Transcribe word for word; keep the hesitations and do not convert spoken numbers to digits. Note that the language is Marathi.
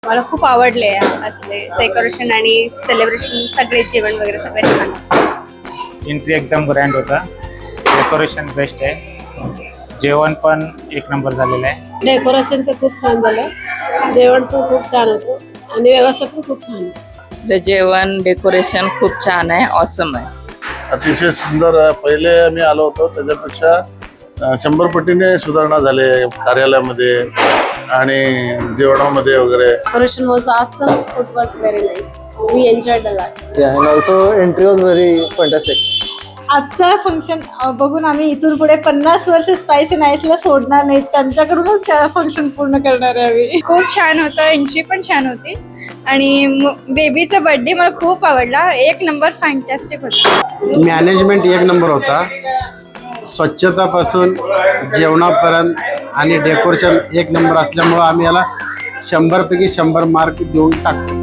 मला खूप आवडले असले डेकोरेशन आणि सेलिब्रेशन, सगळे जेवण वगैरे सगळे छान. एंट्री एकदम ग्रँड होता, डेकोरेशन बेस्ट आहे, जेवण पण एक नंबर झालेलं आहे. डेकोरेशन तर खूप छान झालं, जेवण पण खूप छान होतं आणि व्यवस्था पण खूप छान आहे. जेवण डेकोरेशन खूप छान आहे, ऑसम आहे. अतिशय सुंदर. पहिले मी आलो होतो त्याच्यापेक्षा शंभर पटीने सुधारणा झाले कार्यालयामध्ये आणि जेवणामध्ये वगैरे. Decoration was awesome. Food was very nice. We enjoyed a lot. Yeah, and also entry was very fantastic. आजचं फंक्शन बघून आम्ही इथून पुढे पन्नास वर्ष स्पायसी नाईसला सोडणार नाही, त्यांच्याकडूनच फंक्शन पूर्ण करणार आहे आम्ही. खूप छान होतं, एंट्री पण छान होती आणि बेबीचा बर्थडे मला खूप आवडला. एक नंबर फॅन्टॅस्टिक होता. मॅनेजमेंट एक नंबर होता, स्वच्छतापासून जेवणापर्यंत आणि डेकोरेशन एक नंबर असल्यामुळं आम्ही याला शंभर पैकी शंभर मार्क देऊन टाकतो.